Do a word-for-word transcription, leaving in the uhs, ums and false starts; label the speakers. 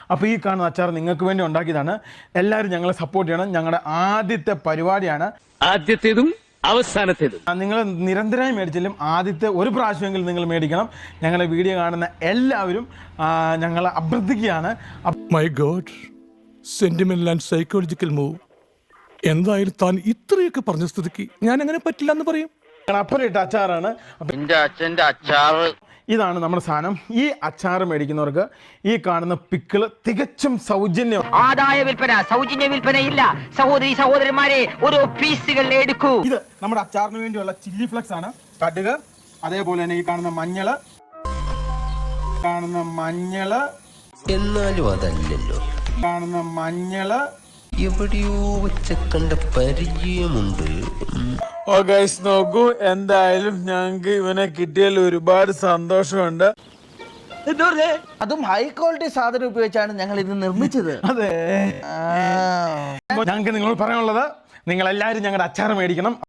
Speaker 1: അപ്പോൾ ഈ കാണുന്ന അച്ചാർ നിങ്ങൾക്ക് വേണ്ടി ഉണ്ടാക്കിയതാണ്. എല്ലാവരും ഞങ്ങളെ സപ്പോർട്ട് ചെയ്യണം. ഞങ്ങളുടെ ആദ്യത്തെ പരിപാടിയാണ്,
Speaker 2: ആദ്യത്തേതും അവസാനത്തേതും.
Speaker 1: നിങ്ങൾ നിരന്തരമായി മേടിച്ചാലും ആദ്യത്തെ ഒരു പ്രാവശ്യമെങ്കിലും നിങ്ങൾ മേടിക്കണം. ഞങ്ങളുടെ വീഡിയോ കാണുന്ന എല്ലാവരും ഞങ്ങളെ അഭ്യർത്ഥിക്കുകയാണ്.
Speaker 3: My God, sentimental and psychological move. എന്തായാലും താൻ ഇത്രയൊക്കെ പറഞ്ഞ സ്ഥിതിക്ക് ഞാൻ അങ്ങനെ പറ്റില്ല എന്ന് പറയും.
Speaker 1: അപ്പറിട്ട അച്ചാറാണ്.
Speaker 4: എന്റെ അച്ഛന്റെ അച്ചാറ്
Speaker 1: ഇതാണ് നമ്മുടെ സാധനം. ഈ അച്ചാർ മേടിക്കുന്നവർക്ക് ഈ കാണുന്ന പിക്കിള് തികച്ചും സൗജന്യം.
Speaker 5: ആദായ വിൽപ്പന, സൗജന്യ വിൽപ്പനയില്ല. സഹോദരി സഹോദരന്മാരെ, ഓരോ പീസുകൾ എടുക്കൂ.
Speaker 1: ഇത് നമ്മുടെ അച്ചാറിന് വേണ്ടിയുള്ള ചില്ലി ഫ്ലക്സ് ആണ്. കടുക്, അതേപോലെ തന്നെ ഈ കാണുന്ന മഞ്ഞള് കാണുന്ന മഞ്ഞള്
Speaker 6: എന്നാലും അതല്ലല്ലോ,
Speaker 1: കാണുന്ന മഞ്ഞള്
Speaker 6: എവിടെയോ വെച്ച കണ്ട പരിചയമുണ്ട്.
Speaker 1: ഓ ഗൈസ്, നോക്കൂ, എന്തായാലും ഞങ്ങൾക്ക് ഇവനെ കിട്ടിയതിൽ ഒരുപാട് സന്തോഷമുണ്ട്.
Speaker 7: അതും ഹൈ ക്വാളിറ്റി സാധനം ഉപയോഗിച്ചാണ് ഞങ്ങൾ ഇത് നിർമ്മിച്ചത്.
Speaker 1: അതെ, ഞങ്ങൾക്ക് നിങ്ങളോട് പറയാനുള്ളത്, നിങ്ങൾ എല്ലാവരും ഞങ്ങളുടെ അച്ചാർ മേടിക്കണം.